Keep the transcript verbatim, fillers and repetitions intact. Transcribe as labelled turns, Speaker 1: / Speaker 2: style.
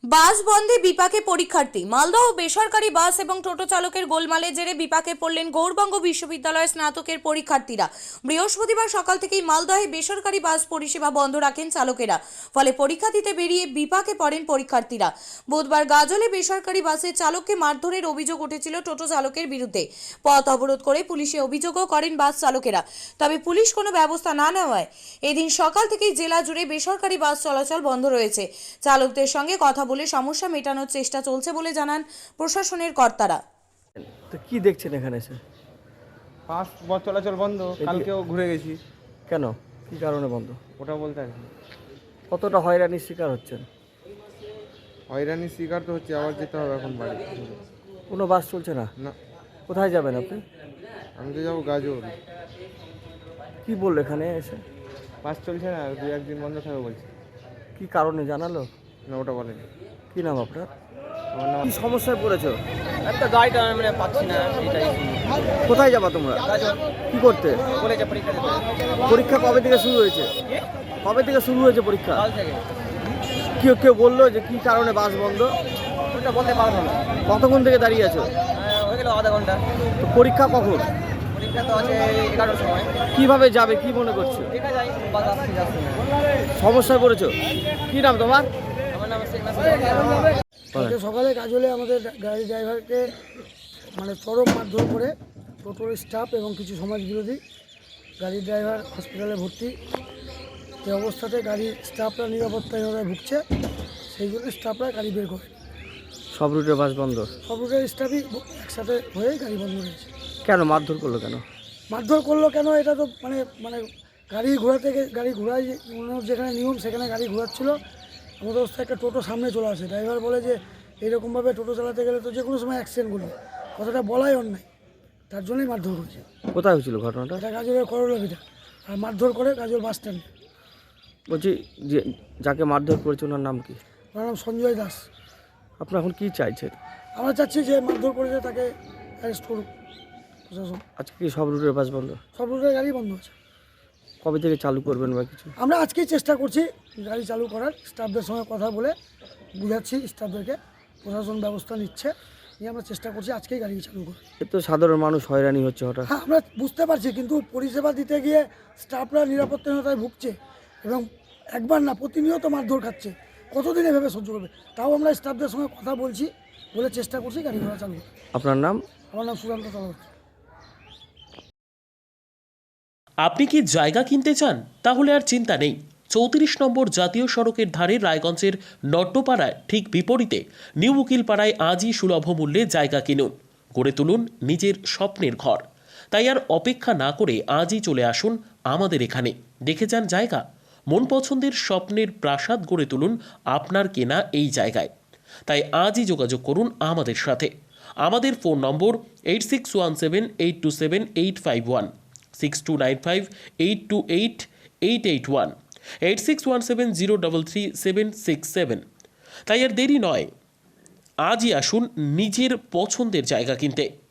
Speaker 1: বাস বন্ধে বিপাকে পরীক্ষার্থী। মালদহ বেসরকারি বাস এবং টোটো চালকের গোলমালের জেরে বিপাকে পড়লেন গৌড়বঙ্গ বিশ্ববিদ্যালয়ের স্নাতকের পরীক্ষার্থীরা। বৃহস্পতিবার সকাল থেকেই মালদহে বেসরকারি বাস পরিষেবা বন্ধ রাখেন চালকেরা, ফলে পরীক্ষা দিতে বেরিয়ে বিপাকে পড়েন পরীক্ষার্থীরা। বুধবার গাজলে বেসরকারি বাসের চালককে মারধরের অভিযোগ উঠেছিল টোটো চালকের বিরুদ্ধে। পথ অবরোধ করে পুলিশে অভিযোগও করেন বাস চালকেরা, তবে পুলিশ কোনো ব্যবস্থা না নেওয়ায় এদিন সকাল থেকেই জেলা জুড়ে বেসরকারি বাস চলাচল বন্ধ রয়েছে। চালকদের সঙ্গে কথা বলে সমস্যা মেটানোর চেষ্টা চলছে বলে জানান প্রশাসনের কর্তারা।
Speaker 2: তো কি দেখছেন এখানে এসে?
Speaker 3: বাস বস চলাচল বন্ধ। কালকেও ঘুরে গেছি।
Speaker 2: কেন, কি কারণে বন্ধ?
Speaker 3: ওটা বলতে পারছি না।
Speaker 2: কতটা হয়রানির শিকার হচ্ছেন?
Speaker 3: হয়রানির শিকার তো হচ্ছে, আবার যেতে হবে এখন বাড়ি।
Speaker 2: কোনো বাস চলছে না?
Speaker 3: না,
Speaker 2: কোথায় যাবেন আপনি?
Speaker 3: আমি তো যাবো গাজল।
Speaker 2: কি বললো এখানে এসে?
Speaker 3: বাস চলছে না, দু একদিন বন্ধ থাকবে বলছে।
Speaker 2: কি কারণে জানালো?
Speaker 3: না, ওটা বলেনি।
Speaker 2: কি নাম আপনার?
Speaker 3: আমার নাম
Speaker 2: কি সমস্যায় পড়েছো?
Speaker 4: একটা গাড়িটা মানে পাচ্ছি না, এটাই।
Speaker 2: কোথায় যাবা তোমরা? কি করতে?
Speaker 4: কলেজে পরীক্ষা দিতে
Speaker 2: পরীক্ষা কবে থেকে শুরু হয়েছে? কবে থেকে শুরু হয়েছে পরীক্ষা?
Speaker 4: কাল থেকে।
Speaker 2: কেউ কেউ বললো যে কি কারণে বাস বন্ধ?
Speaker 4: ওটা বলতে পারবো না।
Speaker 2: কতক্ষণ থেকে দাঁড়িয়ে আছো?
Speaker 4: হ্যাঁ, হয়ে গেল আধা ঘন্টা।
Speaker 2: তো পরীক্ষা কখন?
Speaker 4: পরীক্ষা তো আছে এগারোটার সময়।
Speaker 2: কিভাবে যাবে কি মনে করছো?
Speaker 4: দেখা যায়, বাস আসতে যাচ্ছে না।
Speaker 2: সমস্যায় পড়েছো? কি নাম তোমার?
Speaker 4: আমার নাম শেখ নাসির।
Speaker 5: কালকে সকালে গাজলে আমাদের গাড়ি ড্রাইভারকে মানে চরম মারধর করে টোটোর স্টাফ এবং কিছু সমাজ বিরোধী। গাড়ির ড্রাইভার হসপিটালে ভর্তি। এই অবস্থাতে গাড়ির স্টাফরা নিরাপত্তাহীনতায় ভুগছে, সেই জন্য স্টাফরা গাড়ি বের করে।
Speaker 2: সব রুটে বাস বন্ধ?
Speaker 5: সব রুটের স্টাফই একসাথে হয়ে গাড়ি বন্ধ রয়েছে।
Speaker 2: কেন মারধর করলো কেন?
Speaker 5: মারধর করলো কেন এটা তো মানে মানে গাড়ি ঘোরাতে গিয়ে গাড়ি ঘোরাই যেখানে নিয়ম সেখানে গাড়ি ঘোরাচ্ছিল। আমাদের অবস্থায় একটা টোটো সামনে চলে আসে, ড্রাইভার বলে যে এইরকমভাবে টোটো চালাতে গেলে তো যে কোনো সময় অ্যাক্সিডেন্টগুলো, কথাটা বলাই অন্যায়, তার জন্যই মারধর করেছে।
Speaker 2: কোথায় হয়েছিল ঘটনাটা?
Speaker 5: এটা গাজলের করলাভিটা, আর মারধর করে গাজল বাস স্ট্যান্ডে।
Speaker 2: বলছি যে যাকে মারধর করেছে ওনার নাম কি?
Speaker 5: ওনার নাম সঞ্জয় দাস।
Speaker 2: আপনারা এখন কি চাইছেন?
Speaker 5: আমরা চাচ্ছি যে মারধর করেছে তাকে অ্যারেস্ট করুক প্রশাসন।
Speaker 2: আজকে কি সব রুটের বাস বন্ধ?
Speaker 5: সব রুটের গাড়ি বন্ধ আছে।
Speaker 2: কবে থেকে চালু করবেন বা কিছু?
Speaker 5: আমরা আজকেই চেষ্টা করছি গাড়ি চালু করার, স্টাফদের সঙ্গে কথা বলে বুঝাচ্ছি স্টাফদেরকে, প্রশাসন ব্যবস্থা নিচ্ছে, নিয়ে আমরা চেষ্টা করছি আজকেই গাড়ি চালু করার।
Speaker 2: এ তো সাধারণ মানুষ হয়রানি হচ্ছে হঠাৎ।
Speaker 5: হ্যাঁ, আমরা বুঝতে পারছি, কিন্তু পরিষেবা দিতে গিয়ে স্টাফরা নিরাপত্তাহীনতায় ভুগছে এবং একবার না প্রতিনিয়ত মারধর খাচ্ছে। কতদিন এভাবে সহ্য করবে? তাও আমরা স্টাফদের সঙ্গে কথা বলছি, বলে চেষ্টা করছি গাড়ি ঘোড়া চালু করার।
Speaker 2: আপনার নাম?
Speaker 5: আমার নাম সুশান্ত চলবর্তী।
Speaker 6: আপনি কি জায়গা কিনতে চান? তাহলে আর চিন্তা নেই। চৌত্রিশ নম্বর জাতীয় সড়কের ধারে রায়গঞ্জের নট্টপাড়ায় ঠিক বিপরীতে নিউ উকিলপাড়ায় আজই সুলভ মূল্যে জায়গা কিনুন, গড়ে তুলুন নিজের স্বপ্নের ঘর। তাই আর অপেক্ষা না করে আজই চলে আসুন আমাদের এখানে, দেখে যান জায়গা। মন পছন্দের স্বপ্নের প্রাসাদ গড়ে তুলুন আপনার কেনা এই জায়গায়। তাই আজই যোগাযোগ করুন আমাদের সাথে। আমাদের phone number eight six one seven eight two seven eight five one, six two nine five eight two eight eight eight one, eight six one seven zero double three seven six seven. তাই আর দেরি নয়, আজই আসুন নিজের পছন্দের জায়গা কিনতে।